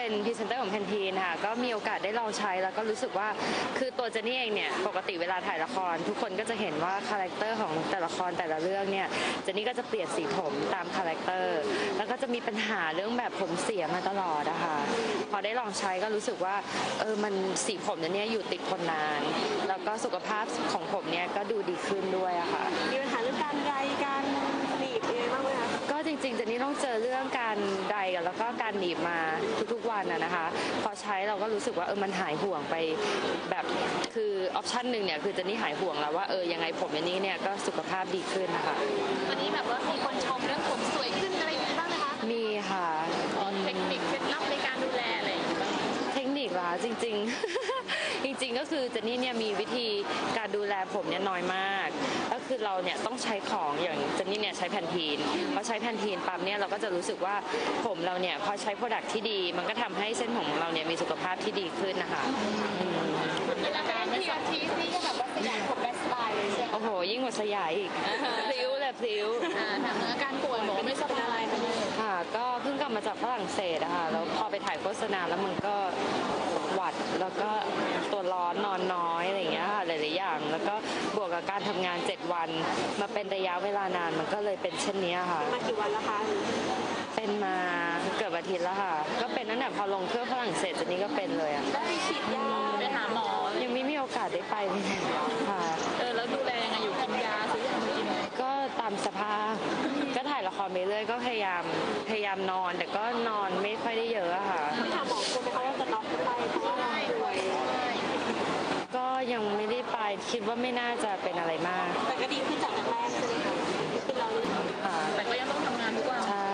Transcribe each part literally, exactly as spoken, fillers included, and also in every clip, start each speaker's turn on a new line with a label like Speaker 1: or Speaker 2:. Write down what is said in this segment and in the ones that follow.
Speaker 1: เป็นพรีเซนเตอร์ของแพนทีนค่ะก็มีโอกาสได้ลองใช้แล้วก็รู้สึกว่าคือตัวเจนนี่เองเนี่ยปกติเวลาถ่ายละครทุกคนก็จะเห็นว่าคาแรคเตอร์ของแต่ละครแต่ละเรื่องเนี่ยเจนนี่ก็จะเปลี่ยนสีผมตามคาแรคเตอร์แล้วก็จะมีปัญหาเรื่องแบบผมเสียมาตลอดอะค่ะพอได้ลองใช้ก็รู้สึกว่าเออมันสีผมเนี่ยอยู่ติดทนนานแล้วก็สุขภาพของผมเนี่ยก็ดูดีขึ้นด้วยอะค่ะ
Speaker 2: มีปัญหาเรื่องการไรการหนีบยังไงบ้างไหมคะ
Speaker 1: ก็จริงๆเจนนี่ต้องเจอเรื่องการไดกันแล้วก็การหนีบมาทุกๆวันอะนะคะพอใช้เราก็รู้สึกว่าเออมันหายห่วงไปแบบคือออปชันหนึ่งเนี่ยคือเจนนี่หายห่วงแล้วว่าเออยังไงผมอันนี้เนี่ยก็สุขภาพดีขึ้นนะคะ
Speaker 3: วันนี้แบบว่ามีคนชมเรื่องผมสวยขึ้นอะไรอย่างนี้บ้างไหมคะ
Speaker 1: มีค่ะ
Speaker 3: เทคนิคเคล็ดลับในการดูแลอะไรอย่างนี้บ้าง
Speaker 1: เทคนิคล่ะจริงๆ จริงๆก็คือเจนนี่เนี่ยมีวิธีการดูแลผมเนี่ยน้อยมากก็คือเราเนี่ยต้องใช้ของอย่างเจนนี่เนี่ยใช้แพนทีนพอใช้แพนทีนปั๊บเนี่ยเราก็จะรู้สึกว่าผมเราเนี่ยพอใช้โปรดักที่ดีมันก็ทำให้เส้นผมของเราเนี่ยมีสุขภาพที่ดีขึ้นนะคะ
Speaker 3: เวลาการทีอาทีนี่ก็แบบว่าสยายผมได้สบายเลยใช่ไหม
Speaker 1: โอ้โหยิ่งกว่าสยายอีกพลิ้วเลยพลิ้ว
Speaker 3: ถามอาการป่วยบอกไม่สบาย
Speaker 1: ค่ะก็เพิ่งกลับมาจากฝรั่งเศสอะค่ะแล้วพอไปถ่ายโฆษณาแล้วมันก็หวัดแล้วก็ตัวร้อนนอนน้อยอะไรอย่างเงี้ยค่ะหลายๆอย่างแล้วก็บวกกับการทำงานเจ็ดวันมาเป็นระยะเวลานานมันก็เลยเป็นเช่นนี้ค่ะ
Speaker 2: มากี่วันแล้วคะ
Speaker 1: เป็นมาเกือบอาทิตย์แล้วค่ะก็เป็นตั้งแต่พอลงเครื่องฝรั่งเศสจนนี้ก็เป็นเลยอะ
Speaker 2: ได้ฉีดยา
Speaker 3: ไปหาหมอ
Speaker 1: ยังไม่มีโอกาสได้ไปเลยค่ะ
Speaker 3: เออแล้วดูแลยังไงอยู่กินยาซื้อยามากิน
Speaker 1: ก็ตามสภาพก็ถ่ายละครไปเรื่อยก็พยายามพยายามนอนแต่ก็นอนไม่ค่อยได้เยอะอะค่ะ
Speaker 2: ที่ถามหมอกลัวไหมคะว่าจะน็อกไปเพราะว่าป่วย
Speaker 1: ก็ยังไม่ได้ไปคิดว่าไม่น่าจะเป็นอะไรมาก
Speaker 2: แต่ก็ดีขึ้นจากแรกใช่ไหมคะคือเรา
Speaker 1: ค่ะ
Speaker 3: แต่ก็ยังต้องทำงานทุกวัน
Speaker 1: ใช่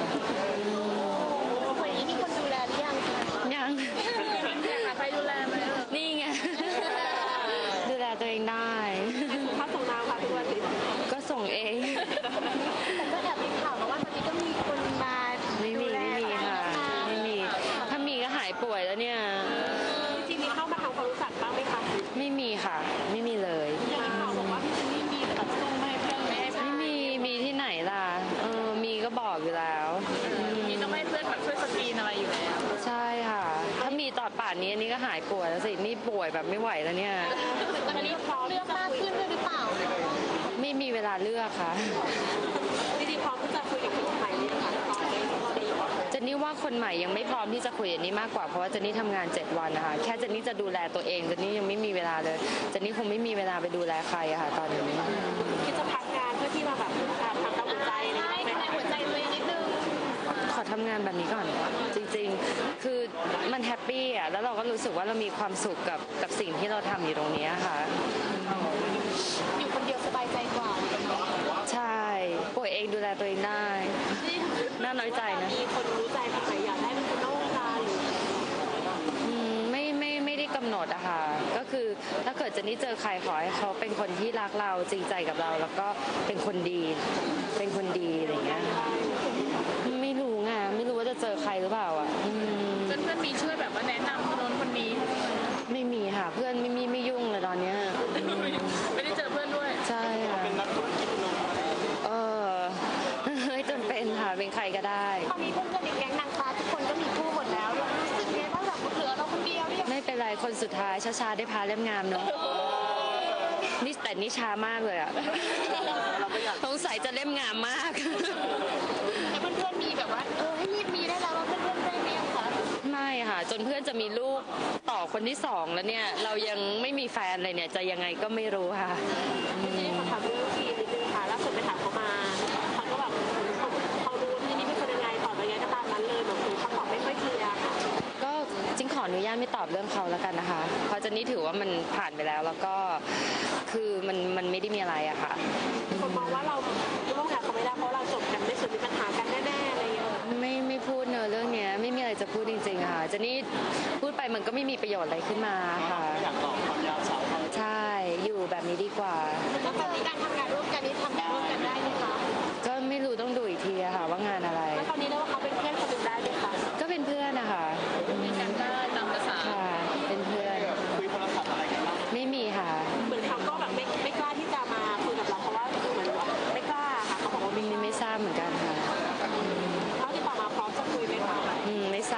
Speaker 3: วันนี้มีคนดูแลหรือยัง
Speaker 1: ยัง
Speaker 3: อยากหาใครดูแลไหม
Speaker 1: นี่ไงดูแลตัวเองได้
Speaker 2: ถ้าส่งน้ำค่ะทุกวัน
Speaker 1: ก็ส่งเอง
Speaker 3: แต่ก็แอบมีข่าวมาว่าตอนนี้ก็มีคนมา
Speaker 1: ไม่มีไม่มีค่ะไม่มีถ้ามีก็หายป่วยแล้วเนี่ย
Speaker 2: จริงๆมีเข้ามาทำความรู้จักบ้างไหมคะ
Speaker 1: ไม่มีค่ะไม่มีเลย
Speaker 3: ข่าวบอกว่าพี่เจนนี่มีตัดทรงไม่ให้เพื่อนไม่ให้
Speaker 1: ไม่มีมีที่ไหนล่ะเออมีก็บอกอยู่แล้ว
Speaker 3: มีต้องให้เพื่อนแบบช่วยสกรีนอะไรอยู่แล้ว
Speaker 1: ใช่ค่ะถ้ามีตอนป่านนี้อันนี้ก็หายป่วยแล้วสินี่ป่วยแบบไม่ไหวแล้วเนี่ย
Speaker 3: ตอนนี้พร้อมเลือกมากขึ้นด้วยหรือเปล่า
Speaker 1: ไม่มีเวลาเลือกค่ะ
Speaker 2: จริงๆพร้อมที่จะคุยกับคนใหม่เลยค่ะ
Speaker 1: เจนนี่ว่าคนใหม่ยังไม่พร้อมที่จะคุยอันนี้มากกว่าเพราะว่าเจนนี่ทำงานเจ็ดวันนะคะแค่เจนนี่จะดูแลตัวเองเจนนี่ยังไม่มีเวลาเลยเจนนี่คงไม่มีเวลาไปดูแลใครอะค่ะตอนนี้
Speaker 2: คิดจะพักงานเพื่อที่มาแบบทำตามหัวใจ
Speaker 3: ใช่ทำหัวใจตัวเองนิดนึง
Speaker 1: ขอทำงานแบบนี้ก่อนจริงๆคือมันแฮปปี้อะแล้วเราก็รู้สึกว่าเรามีความสุขกับกับสิ่งที่เราทำอยู่ตรงนี้ค่ะ
Speaker 3: อยู่คนเดียวสบายใจกว่า
Speaker 1: ใช่ป่วยเองดูแลตัวเองได้น่าน้อยใจนะ
Speaker 2: มีคนรู้ใจแบบไหนอยากได้เป็นคนนอกวงการหรือ
Speaker 1: ไม่ไม่ไม่ได้กำหนดอะค่ะก็คือถ้าเกิดเจนนี่เจอใครขอให้เขาเป็นคนที่รักเราจริงใจกับเราแล้วก็เป็นคนดีเป็นคนดีอะไรเงี้ยไม่รู้ไงไม่รู้ว่าจะเจอใครหรือเปล่าอ่ะ
Speaker 3: เพื่อนเพื่อนมีช่วยแบบว่าแนะนำคนโน้นคนนี้
Speaker 1: ไม่มีค่ะเพื่อนไม่มีไม่ยุ่งเลยตอนเนี้ย
Speaker 3: ไม่ได้เจอเพื่อนด้วย
Speaker 1: ใช่ค่ะเป็นนักธุรกิจเออไม่จำเป็นค่ะเป็นใครก็ได้
Speaker 3: ตอนนี้เพื่อนๆในแก๊งนางฟ้าทุกคนก็มีคู่หมดแล้วรู้สึกไงบ้างแบบเหลือเราคนเดียวเนี่ย
Speaker 1: ไม่เป็นไรคนสุดท้ายช้าๆได้พาเล่มงามเนาะนี่แต่นี่ช้ามากเลยอ่ะสงสัยจะเล่มงามมาก
Speaker 3: แต่เพื่อนๆมีแบบว่าเออให้รีบมีได้แล้วว่าเพื่อนๆได้ไหมคะ
Speaker 1: ไม่ค่ะจนเพื่อนจะมีลูกต่อคนที่สองแล้วเนี่ยเรายังไม่มีแฟนเลยเนี่ยจะยังไงก็ไม่รู้ค่ะ
Speaker 2: นี่ขอถามเรื่องทีนิดนึงค่ะล่าสุดไปถามเขามาเขาก็แบบเขาเขารู้ที่นี่เป็นคนยังไงตอบยังไงก็ตามนั้นเลยแบบเขาตอบไม่ค่อยเคลียร์ค่ะ
Speaker 1: ก็จริงขออนุญาตไม่ตอบเรื่องเขาแล้วกันนะคะเพราะเจนนี่ถือว่ามันผ่านไปแล้วแล้วก็คือมันมันไม่ได้มีอะไรอะค่ะ
Speaker 2: คนมองว่าเราร่วมงานเขาไม่ได้เพราะเราจบกันไม่สุดมีปัญหากันแน่ๆอะไรอย่างเงี้ย
Speaker 1: ไม่ไม่พูดเนอะเรื่องเนี้ยไม่มีอะไรจะพูดจริงๆค่ะเจนนี่พูดไปมันก็ไม่มีประโยชน์อะไรขึ้นมาค่ะ
Speaker 2: อยากตอบความยาวสาว
Speaker 1: ใช่อยู่แบบนี้ดีกว่า
Speaker 3: แล้วตอนนี้การทำงานร่วมกันนี้ทำงานร่วมกันได้ไหมคะ
Speaker 1: ก็ไม่รู้ต้องดูอีกทีอะค่ะว่างานอะไร
Speaker 2: แล้วตอนนี้เรียกว่าเขาเป็นเพื่อนคนหนึ่งได้ไหมคะ
Speaker 1: ก็เป็นเพื่อนนะคะ
Speaker 3: มีกันได้ตามภาษา
Speaker 1: ค่ะเป็นเพื่อน
Speaker 2: คุยโทรศัพท์อะไรกันบ้าง
Speaker 1: ไม่มีค่ะ
Speaker 2: เหมือนเขาก็แบบไม่ไม่กล้าที่จะมาคุยกับเราเพราะว่าเหมือนว่าไม่กล้าค่ะเขาบอกว่า
Speaker 1: ไม่ไม่ทราบเหมือนกันค่ะ
Speaker 2: เขาที่ต่อมาพร้อมจะคุยไหมคะ
Speaker 1: อืมไม่ทรา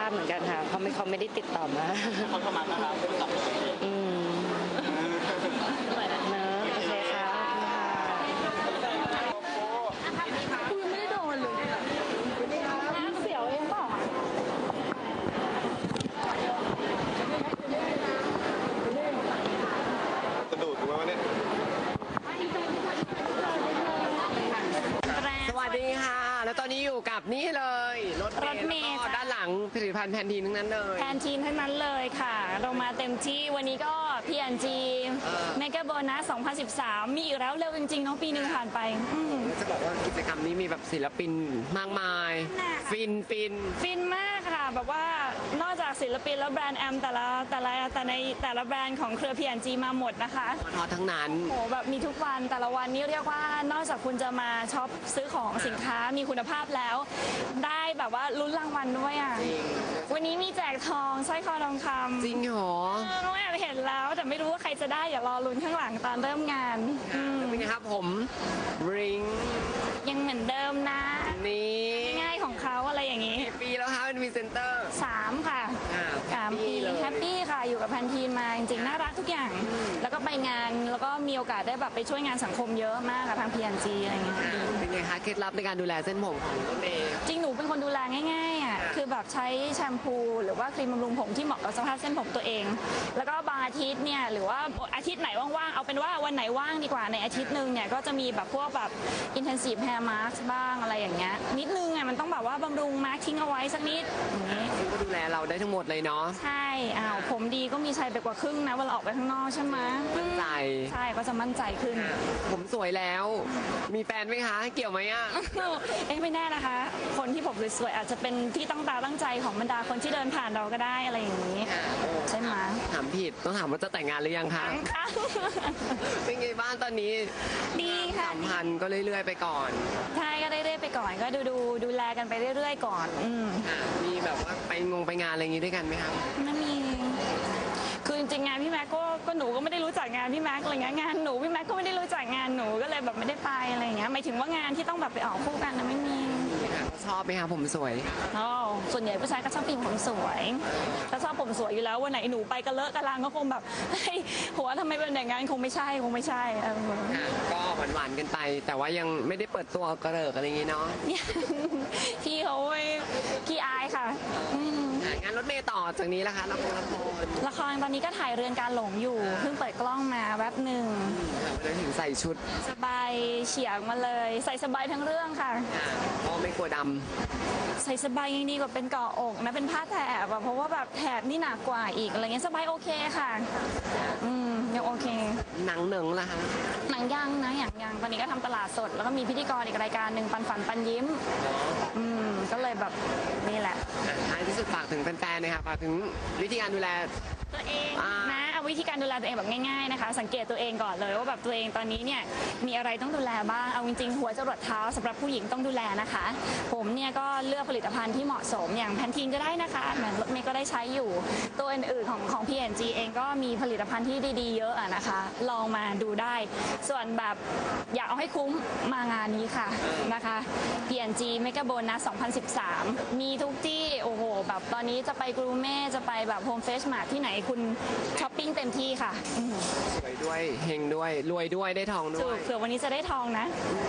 Speaker 1: ราบเหมือนกันค่ะเขาไม่เขาไม่ได้ติดต่อมา
Speaker 4: เขาเข้ามาต้อนรับผู้ตัด
Speaker 1: อืมเนอะโอเคค่ะ
Speaker 3: คุณไม่ได้โดนเลยเสียวเองเปล่า
Speaker 4: สะดุดถูกไหมวะเนี่ย
Speaker 5: สวัสดีค่ะ แล้วตอนนี้อยู่กับนี่เลยรถ
Speaker 6: รถเมล์
Speaker 5: แล้วก็
Speaker 6: จ้ะ
Speaker 5: ด้านหลังผลิตภัณฑ์แพนทีนทั้งนั้นเลย
Speaker 6: แทนทีมทั้งนั้นเลยค่ะ เรามาเต็มที่วันนี้ก็ พี แอนด์ จี
Speaker 5: เออ
Speaker 6: เมกะโบนัสสองพันสิบสาม มีอีกแล้วเร็วจริงๆเนาะปีหนึ่งผ่านไปอืม
Speaker 5: จะบอกว่ากิจกรรมนี้มีแบบศิลปินมากมาย
Speaker 6: น่ะ
Speaker 5: ฟินฟิน
Speaker 6: ฟินมากค่ะ แบบว่านอกจากศิลปินแล้วแบรนด์แอมแต่ละแต่ละแต่ในแต่ละแบรนด์ของเครือ พี แอนด์ จี มาหมดนะคะ
Speaker 5: ทอทั้งนั้น
Speaker 6: โอ้โหแบบมีทุกวันแต่ละวันนี้เรียกว่านอกจากคุณจะมาช็อปซื้อของสินค้ามีคุณภาพแล้ว ได้แบบว่าลุ้นรางวัลด้วยอ่ะ
Speaker 5: จริง
Speaker 6: วันนี้มีแจกทองสร้อยคอทองคำ
Speaker 5: จริงเหรอ
Speaker 6: เออน้องแอบเห็นแล้วแต่ไม่รู้ว่าใครจะได้อย่ารอลุ้นข้างหลังตอนเริ่มงานอืม
Speaker 5: เป็นไงครับผมริง
Speaker 6: ยังเหมือนเดิมนะ
Speaker 5: นี่
Speaker 6: ง่ายของเขาอะไรอย่างนี้
Speaker 5: กี่ปีแล้วคะเป็นพรีเซนเตอร์
Speaker 6: สามค่ะ
Speaker 5: อ่า
Speaker 6: สามปี
Speaker 5: เลย
Speaker 6: แฮปปี้ค่ะอยู่กับแพนทีนมาจริงๆน่ารักทุกอย่าง แล้วก็ไปงานแล้วก็มีโอกาสได้แบบไปช่วยงานสังคมเยอะมากกับทาง พี แอนด์ จี อะไรอย่างเงี้ย
Speaker 5: อ่าเป็นไงคะเคล็ดลับในการดูแลเส้นผมของรถเมย์
Speaker 6: จริงหนูเป็นคนดูแลง่ายๆอ่ะคือแบบใช้แชมพูหรือว่าครีมบำรุงผมที่เหมาะกับสภาพเส้นผมตัวเอง แล้วก็บางอาทิตย์เนี่ยหรือว่าอาทิตย์ไหนว่างๆเอาเป็นว่าวันไหนว่างดีกว่าในอาทิตย์หนึ่งเนี่ยก็จะมีแบบพวกแบบ intensive hair mask บ้างอะไรอย่างเงี้ยนิดนึงอ่ะมันต้องแบบว่าบำรุงมาร์คทิ้งเอาไว้สักนิดอย่างงี้
Speaker 5: ซึ่งก็ดูแลเราได้ทั้งหมดเลยเนาะ
Speaker 6: ใช่อ้าวผมดีก็มีชัยไปกว่าครึ่งนะเวลาออกไปข้างนอกใช่ไหม
Speaker 5: มั่นใจ
Speaker 6: ใช่ก็จะมั่นใจขึ้น
Speaker 5: ผมสวยแล้ว มีแฟนไหมคะ เกี่ยวไหมอ่ะ
Speaker 6: เอ๊ะไม่แน่นะคะ คนที่ผมสวยๆอาจจะเป็นที่ตั้งตาตั้งใจของบรรดาคนที่เดินผ่านเราก็ได้อะไรอย่างนี้ ใช่ไหม
Speaker 5: ถามผิดต้องถามว่าจะแต่งงานหรือยังคะ
Speaker 6: ค่ะ
Speaker 5: เป็นไงบ้างตอนนี้
Speaker 6: ดีค่ะ
Speaker 5: สัมพันธ์ก็เรื่อยๆไปก่อน
Speaker 6: ใช่ก็เรื่อยๆไปก่อนก็ดูดูดูแลกันไปเรื่อยๆก่อน อืม
Speaker 5: อ่ะมีแบบว่าไปงงไปงานอะไรอย่างงี้ด้วยกันไหมครับ
Speaker 6: ไม่มี คือจริงๆงานพี่แม็กก็ก็หนูก็ไม่ได้รู้จักงานพี่แม็กอะไรเงี้ยงานหนูพี่แม็กก็ไม่ได้รู้จักงานหนูก็เลยแบบไม่ได้ไปอะไรเงี้ยหมายถึงว่างานที่ต้องแบบไปออกคู่กันนะไม่มี
Speaker 5: ชอบไหมคะผมสวย
Speaker 6: อ๋อส่วนใหญ่ผู้ชายก็ชอบผู้หญิงผมสวยถ้าชอบผมสวยอยู่แล้ววันไหนหนูไปกระเลอะกระลังก็คงแบบเฮ้ยหัวทำไมเป็นอย่างนั้นคงไม่ใช่คงไม่ใช่เออ
Speaker 5: ค่ะก็หวานๆกันไป แต่ว่ายังไม่ได้เปิดตัวกระเริกอะไรอย่างงี้เนาะ
Speaker 6: เนี่ยพี่เขาเว้ยพี่อายค่ะอืม
Speaker 5: อ่ะงานรถเมย์ต่อจากนี้ละคะละครละคร
Speaker 6: ละครตอนนี้ก็ถ่ายเรือนการหลงอยู่เพิ่งเปิดกล้องมาแวบหนึ่ง
Speaker 5: วันนั้นถึงใส่ชุด
Speaker 6: สบายเฉียงมาเลย ใส่สบายทั้งเรื่องค่ะ
Speaker 5: อ่ะก็ไม่กลัวด
Speaker 6: ใส่สบายยังดีกว่าเป็นเกาะอกนะเป็นผ้าแถบอะเพราะว่าแบบแถบนี่หนักกว่าอีกอะไรเงี้ยสบายโอเคค่ะอืมยังโอเค
Speaker 5: ำหนังเหนิงละคะ
Speaker 6: หนังยังนะอย่างยังตอนนี้ก็ทำตลาดสด แล้วก็มีพิธีกรอีกรายการหนึ่งปันฝันปันยิ้มอืมก็เลยแบบนี่แหละ
Speaker 5: อ่ะท้ายที่สุดฝากถึงแฟนๆนะคะฝากถึงวิธีการดูแล
Speaker 6: ตัวเอง
Speaker 5: อ่าน
Speaker 6: นะเอาวิธีการดูแลตัวเองแบบง่ายๆนะคะ สังเกตตัวเองก่อนเลยว่าแบบตัวเองตอนนี้เนี่ยมีอะไรต้องดูแลบ้างเอาจริงๆหัวจรดเท้าสำหรับผู้หญิงต้องดูแลนะคะ ผมเนี่ยก็เลือกผลิตภัณฑ์ที่เหมาะสมอย่างแพนทีนก็ได้นะคะเหมือนรถเมย์ก็ได้ใช้อยู่ ตัวอื่นๆของของ พี แอนด์ จี เองก็มีผลิตภัณฑ์ที่ดีๆเยอะอะนะคะ ลองมาดูได้ ส่วนแบบอยากเอาให้คุ้มมางานนี้ค่ะนะคะ พี แอนด์ จี Mega Bonus สองพันสิบสาม มีทุกที่โอ้โหแบบตอนนี้จะไปกรูเม่จะไปแบบโฮมเฟสมาที่ไหนคุณช้อปปิ้งเต็มที่ค่ะอืม
Speaker 5: สวยด้วยเฮงด้วยรวยด้วยได้ทองด้
Speaker 6: ถู
Speaker 5: ว
Speaker 6: ก
Speaker 5: ย
Speaker 6: เผื่อวันนี้จะได้ทองนะ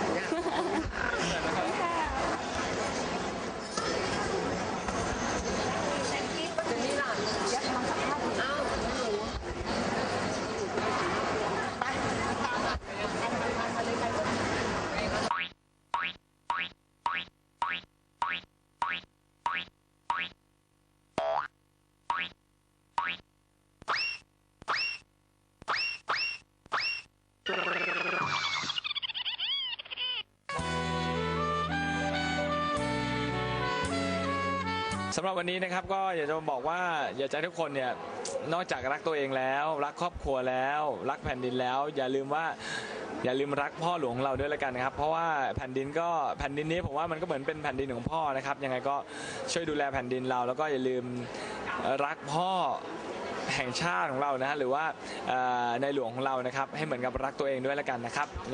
Speaker 7: สำหรับวันนี้นะครับก็อยากจะบอกว่าอยากจะให้ทุกคนเนี่ยนอกจากรักตัวเองแล้ว รักครอบครัวแล้ว รักแผ่นดินแล้ว อย่าลืมว่าอย่าลืมรักพ่อหลวงของเราด้วยละกันนะครับ เพราะว่าแผ่นดินก็แผ่นดินนี้ผมว่ามันก็เหมือนเป็นแผ่นดินของพ่อนะครับยังไงก็ช่วยดูแลแผ่นดินเรา แล้วก็อย่าลืมรักพ่อแห่งชาติของเรานะฮะหรือว่าในหลวงของเรานะครับให้เหมือนกับรักตัวเองด้วยละกันนะครับ